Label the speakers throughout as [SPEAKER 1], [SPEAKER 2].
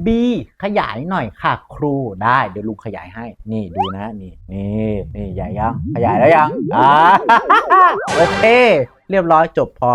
[SPEAKER 1] B ขยายหน่อยค่ะครูได้เดี๋ยวลุงขยายให้นี่ดูนะนี่ใหญ่ยังขยายแล้วยังโอเคเรียบร้อยจบพอ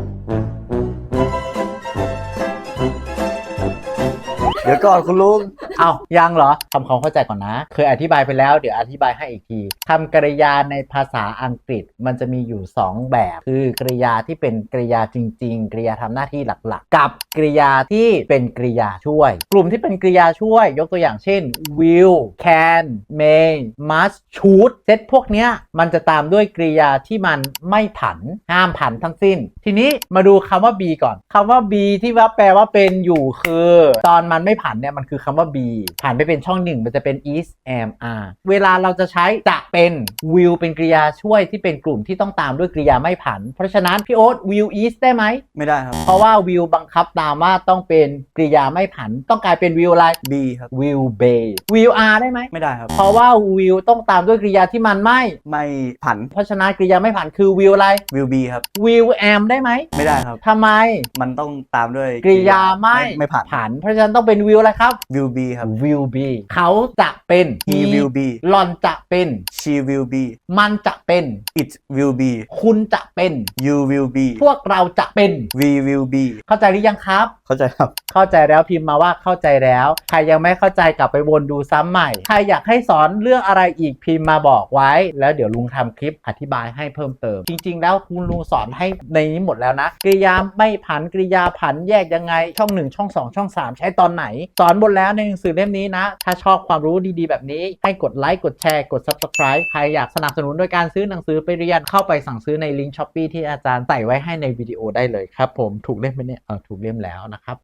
[SPEAKER 2] เดี๋ยวก่อนคุณลุง
[SPEAKER 1] เอายังเหรอทำความเข้าใจก่อนนะเคยอธิบายไปแล้วเดี๋ยวอธิบายให้อีกทีคำกริยาในภาษาอังกฤษมันจะมีอยู่2แบบคือกริยาที่เป็นกริยาจริงๆกริยาทำหน้าที่หลักๆกับกริยาที่เป็นกริยาช่วยกลุ่มที่เป็นกริยาช่วยยกตัวอย่างเช่น will can may must should เซตพวกเนี้ยมันจะตามด้วยกริยาที่มันไม่ผันห้ามผันทั้งสิ้นทีนี้มาดูคำว่า be ก่อนคำว่า be ที่ว่าแปลว่าเป็นอยู่คือตอนมันไม่ผันเนี่ยมันคือคำว่า be ผ่านไปเป็นช่องหนึ่งมันจะเป็น is am are เวลาเราจะใช้จะเป็น will เป็นกริยาช่วยที่เป็นกลุ่มที่ต้องตามด้วยกริยาไม่ผันเพราะฉะนั้นพี่โอ๊ต will is ได้ไหม
[SPEAKER 2] ไม่ได้ครับ
[SPEAKER 1] เพราะว่า will บังคับตามว่าต้องเป็นกริยาไม่ผันต้องกลายเป็น will อะไร
[SPEAKER 2] be ครับ
[SPEAKER 1] will be will are ได้ไหม
[SPEAKER 2] ไม่ได้ครับ
[SPEAKER 1] เพราะว่า will ต้องตามด้วยกริยาที่มัน
[SPEAKER 2] ไม่ผัน
[SPEAKER 1] เพราะฉะนั้นกริยาไม่ผันคือ will อะไร
[SPEAKER 2] will be ครับ
[SPEAKER 1] will am ได้ไหม
[SPEAKER 2] ไม่ได้ครับ
[SPEAKER 1] ทำไม
[SPEAKER 2] มันต้องตามด้วย
[SPEAKER 1] กริยา
[SPEAKER 2] ไม่ผัน
[SPEAKER 1] เพราะฉะนั้นต้องเป็น will อะไรครับ
[SPEAKER 2] will be ครับ
[SPEAKER 1] will be เขาจะเป็น
[SPEAKER 2] he will be
[SPEAKER 1] หล่อนจะเป็น
[SPEAKER 2] she will be
[SPEAKER 1] มันจะเป็น
[SPEAKER 2] it will be
[SPEAKER 1] คุณจะเป็น
[SPEAKER 2] you will be
[SPEAKER 1] พวกเราจะเป็น
[SPEAKER 2] we will be
[SPEAKER 1] เข้าใจหรือยังครับ
[SPEAKER 2] เข้าใจครับ
[SPEAKER 1] เข้าใจแล้วพิมพ์มาว่าเข้าใจแล้วใครยังไม่เข้าใจกลับไปวนดูซ้ำใหม่ใครอยากให้สอนเรื่องอะไรอีกพิมพ์มาบอกไว้แล้วเดี๋ยวลุงทำคลิปอธิบายให้เพิ่มเติมจริงๆแล้วคุณลุงสอนให้ในนี้หมดแล้วนะกริยาไม่ผันกริยาผันแยกยังไงช่อง1ช่อง2ช่อง3ใช้ตอนไหนสอนหมดแล้วในหนังสือเล่มนี้นะถ้าชอบความรู้ดีๆแบบนี้ให้กดไลค์กดแชร์กด Subscribe ใครอยากสนับสนุนโดยการซื้อหนังสือไปเรียนเข้าไปสั่งซื้อในลิงก์ Shopee ที่อาจารย์ใส่ไว้ให้ในวิดีโอได้เลยครับผมถูกเล่มไหมเนี่ยถูกเล่มแล้วนะครับ